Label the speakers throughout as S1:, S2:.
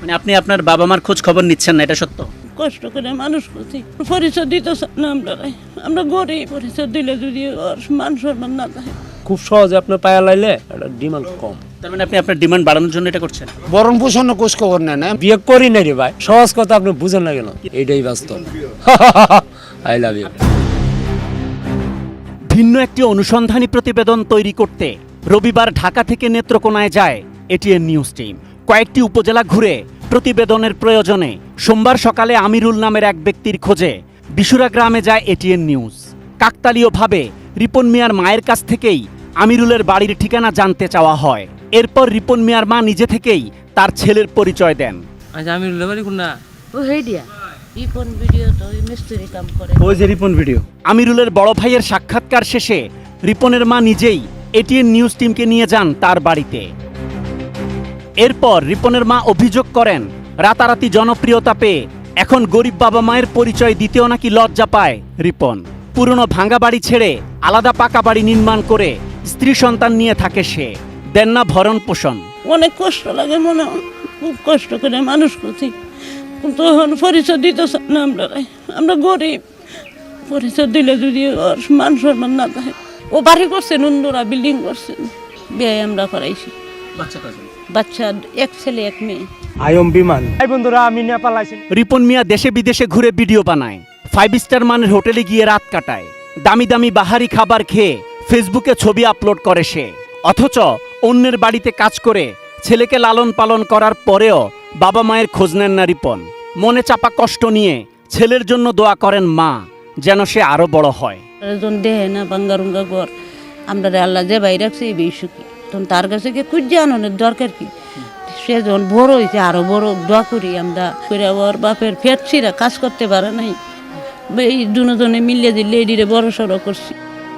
S1: মানে আপনি আপনার বাবা মার খোঁজ খবর নিচ্ছেন না, এটা সত্য?
S2: কষ্ট করে মানুষ করছি, পরিচয় দিতে না আমরা গরিব, পরিচয় দিলে যদি ওর মান সম্মান না থাকে।
S3: খুব সহজে আপনার পায়া লাইলে এটা ডিমান্ড কম।
S1: তার মানে আপনি আপনার ডিমান্ড বাড়ানোর জন্য এটা করছেন?
S4: বরণ পোষণ খোঁজ খবর নেন না।
S3: বিয়ে করি না রে ভাই, সহজ কথা আপনি বুঝেন না কেন? এটাই বাস্তব। I love you.
S1: ভিন্ন একটি অনুসন্ধানী প্রতিবেদন তৈরি করতে রবিবার ঢাকা থেকে নেত্রকোনায় যায় এটিএন নিউজ টিম। কয়েকটি উপজেলা ঘুরে প্রতিবেদনের প্রয়োজনে সোমবার সকালে আমিরুল নামের এক ব্যক্তির খোঁজে বিশুরা গ্রামে যায় এটিএন নিউজ। কাকতালীয়ভাবে রিপন মিয়ার মায়ের কাছ থেকেই আমিরুলের বাড়ির ঠিকানা জানতে চাওয়া হয়। এরপর রিপন মিয়ার মা নিজে থেকেই তার ছেলের পরিচয় দেন।
S3: আচ্ছা, আমিরুলের বাড়ি কোন না?
S2: ও হেডিয়া ইপন ভিডিও তো মিস্ত্রি কাম করে।
S1: ওই যে রিপন ভিডিও। আমিরুলের বড় ভাইয়ের সাক্ষাৎকার শেষে রিপনের মা নিজেই এটিএন নিউজ টিমকে নিয়ে যান তার বাড়িতে। এরপর রিপনের মা অভিযোগ করেন, রাতারাতি জনপ্রিয়তা পেয়ে এখন গরিব বাবা মায়ের পরিচয় দিতেও নাকি লজ্জা পায় রিপন। পুরনো ভাঙা বাড়ি ছেড়ে আলাদা পাকা বাড়ি নির্মাণ করে স্ত্রী সন্তান নিয়ে থাকে সে। দেন না ভরণ পোষণ।
S2: অনেক কষ্ট লাগে, মনে হয় খুব কষ্ট করে মানুষ করছি, কিন্তু এখন পরিচয় দিতে না আমরা গরিব, পরিচয় দিলে যদি ওর মান সম্মান না থাকে। ও বাড়ি করছেন, অন্যরা বিল্ডিং করছেন, বিয়ে আমরা করাইছি। বাচ্চা এক ছেলে এক মেয়ে।
S3: আয়ম বিমান। এই বন্ধুরা, আমি নেপাল আইছি।
S1: রিপন মিয়া দেশে বিদেশে ঘুরে ভিডিও বানায়, 5 স্টার মানের হোটেলে গিয়ে রাত কাটায়, দামি দামি বাহারি খাবার খেয়ে ফেসবুকে ছবি আপলোড করে সে। অথচ অন্যের বাড়িতে কাজ করে ছেলেকে লালন পালন করার পরেও বাবা মায়ের খোঁজ নেন না রিপন। মনে চাপা কষ্ট নিয়ে ছেলের জন্য দোয়া করেন মা, যেন সে আরো বড় হয়।
S2: দেহে না বাঙ্গারুঙ্গা ঘর, আমরা আল্লাহ যে বাইরে রাখছে এই বেশি, তখন তার কাছে গিয়ে খুঁজে আনন্দের দরকার কি? সে যখন বড় হয়েছে আরো বড় দোয়া করি আমরা করে। ওর বাপের ফেটছিরা কাজ করতে পারে নাই, এই দুজনে মিলিয়ে দিয়ে লেডিরে বড় সড়ো করছি।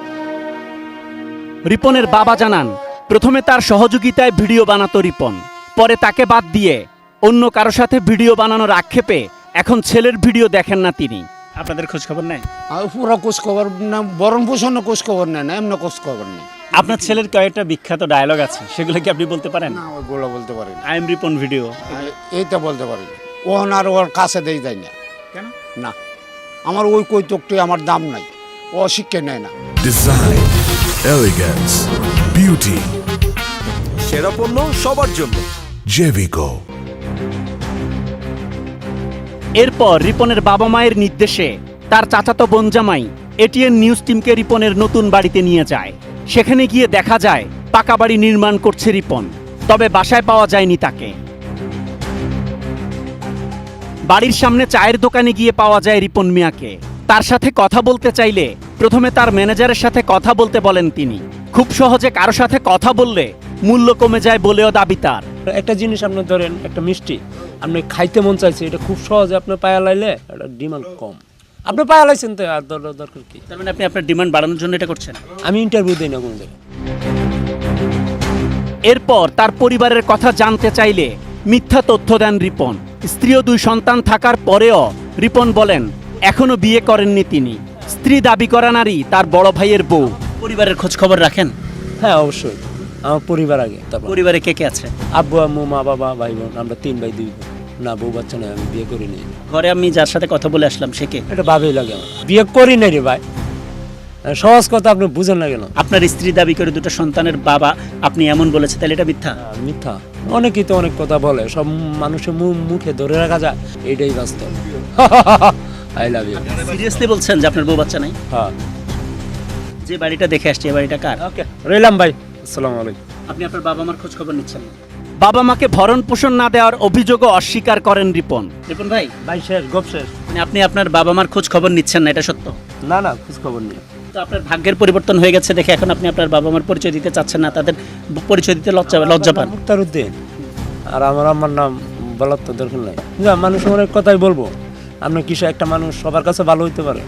S1: রিপনের বাবা জানান, প্রথমে তার সহযোগিতায় ভিডিও বানাতো রিপন, পরে তাকে বাদ দিয়ে অন্য কারো সাথে ভিডিও বানানোর আক্ষেপে এখন ছেলের ভিডিও দেখেন না তিনি। আপনাদের খোঁজ খবর নেই?
S4: আর পুরো খোঁজ খবর না, বরণ পোষণ খোঁজ খবর নেন না, এমন খোঁজ খবর নেই।
S1: আপনার ছেলের কয়েকটা বিখ্যাত ডায়লগ আছে, সেগুলো কি আপনি বলতে পারেন?
S4: না, ওইগুলো বলতে পারি না।
S1: আই এম রিপন ভিডিও,
S4: এইটা বলতে পারি না। ওহন আর ওর কাছে দেই যায় না।
S1: কেন?
S4: না, আমার ওই কৈতকটি আমার দাম নাই, ও শিক্ষা নেয় না।
S5: ডিজাইন, এলিগেন্স, বিউটি,
S6: সেরা পণ্য সবার জন্য
S5: জেভিকো।
S1: এরপর রিপনের বাবা মায়ের নির্দেশে তার চাচাতো বোন জামাই এটিএন নিউজ টিমকে রিপনের নতুন বাড়িতে নিয়ে যায়। সেখানে গিয়ে দেখা যায় পাকা বাড়ি নির্মাণ করছে রিপন, তবে বাসায় পাওয়া যায়নি তাকে। বাড়ির সামনে চায়ের দোকানে গিয়ে পাওয়া যায় রিপন মিয়াকে। তার সাথে কথা বলতে চাইলে প্রথমে তার ম্যানেজারের সাথে কথা বলতে বলেন তিনি। খুব সহজে কারো সাথে কথা বললে মূল্য কমে যায় বলেও দাবি তার।
S3: একটা জিনিস আপনি ধরেন, একটা মিষ্টি আপনি খাইতে মন চাইছে, এটা খুব সহজে আপনার পায়া লাইলে এটা ডিমান্ড কম। আপনি পায়া লাইছেন তো আর দরকার কি?
S1: তার মানে আপনি আপনার ডিমান্ড বাড়ানোর জন্য এটা করছেন?
S3: আমি ইন্টারভিউ দিই না কোনো জায়গায়।
S1: এরপর তার পরিবারের কথা জানতে চাইলে মিথ্যা তথ্য দেন রিপন। স্ত্রী ও 2 সন্তান থাকার পরেও রিপন বলেন এখনো বিয়ে করেননি তিনি। স্ত্রী দাবি করা নারী তার বড় ভাইয়ের বউ। পরিবারের খোঁজ খবর রাখেন?
S3: হ্যাঁ, অবশ্যই। আমার পরিবার আগে, তারপর
S1: পরিবারে কে কে আছে?
S3: আব্বু আম্মু মা বাবা ভাই বোন, আমরা 3 ভাই 2 বোন। না, বউ বাচ্চা নয়, আমি বিয়ে করি নাই।
S1: ঘরে আমি যার সাথে কথা বলে আসলাম সে কে?
S3: এটা ভাবেই লাগে আমার, বিয়ে করি নাই রে ভাই। সহজ কথা আপনি বুঝেন না কেন?
S1: আপনার স্ত্রী দাবি করে 2টা সন্তানের বাবা আপনি এমন বলেছে, তাহলে এটা মিথ্যা?
S3: মিথ্যা। অনেকেই তো অনেক কথা বলে, সব মানুষের মুখে ধরে রাখা যায়, এটাই বাস্তব। I love you.
S1: সিরিয়াসলি বলছেন যে আপনার বউ বাচ্চা নাই?
S3: হ্যাঁ।
S1: যে বাড়িটা দেখে আসছে, এই বাড়িটা কার?
S3: ওকে, রইলাম ভাই, আসসালামু আলাইকুম।
S1: আপনি আপনার বাবা মার খোঁজ খবর নিচ্ছেন না? বাবা মাকে ভরণ পোষণ না দেওয়ার অভিযোগও অস্বীকার করেন রিপন। রিপন ভাই,
S3: ভাই শেষ, গপ শেষ।
S1: মানে আপনি আপনার বাবা মার খোঁজ খবর নিচ্ছেন না, এটা সত্য?
S3: না না, খোঁজ খবর নেই।
S1: তো আপনার ভাগ্যের পরিবর্তন হয়ে গেছে দেখে এখন আপনি আপনার বাবা মার পরিচয় দিতে চাচ্ছেন না, তাদের পরিচয় দিতে লজ্জা পান?
S3: মুক্তারউদ্দিন, আর আমার আম্মার নাম বলার তো দরকার নাই। মানুষ অনেক কথাই বলবো, আপনার কিছু একটা মানুষ সবার কাছে ভালো হইতে পারে।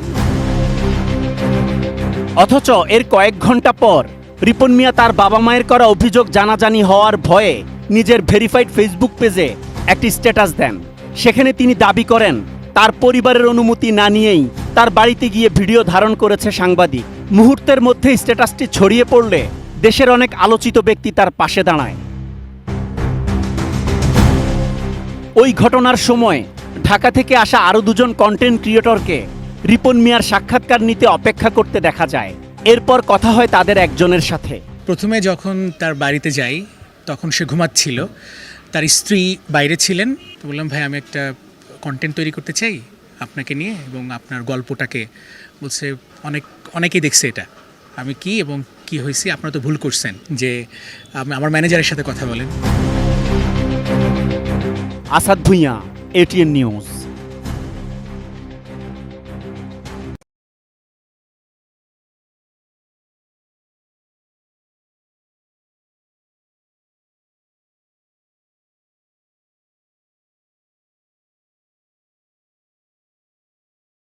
S1: অথচ এর কয়েক ঘন্টা পর রিপন মিয়া তার বাবা মায়ের করা অভিযোগ জানাজানি হওয়ার ভয়ে নিজের ভেরিফাইড ফেসবুক পেজে একটি স্ট্যাটাস দেন। সেখানে তিনি দাবি করেন তার পরিবারের অনুমতি না নিয়েই তার বাড়িতে গিয়ে ভিডিও ধারণ করেছে সাংবাদিক। মুহূর্তের মধ্যে স্ট্যাটাসটি ছড়িয়ে পড়লে দেশের অনেক আলোচিত ব্যক্তি তার পাশে দাঁড়ায়। ওই ঘটনার সময় ঢাকা থেকে আসা আরও দুজন কন্টেন্ট ক্রিয়েটরকে রিপন মিয়ার সাক্ষাৎকার নিতে অপেক্ষা করতে দেখা যায়। এরপর কথা হয় তাদের একজনের সাথে।
S7: প্রথমে যখন তার বাড়িতে যাই তখন সে ঘুমাচ্ছিল, তার স্ত্রী বাইরে ছিলেন। তো বললাম, ভাই আমি একটা কন্টেন্ট তৈরি করতে চাই আপনাকে নিয়ে এবং আপনার গল্পটাকে। বলছে অনেকেই দেখছে এটা, আমি কি এবং কি হয়েছি, আপনারা তো ভুল করছেন, যে আমার ম্যানেজারের সাথে কথা বলেন।
S1: Asad Bhuiyan, ATN news.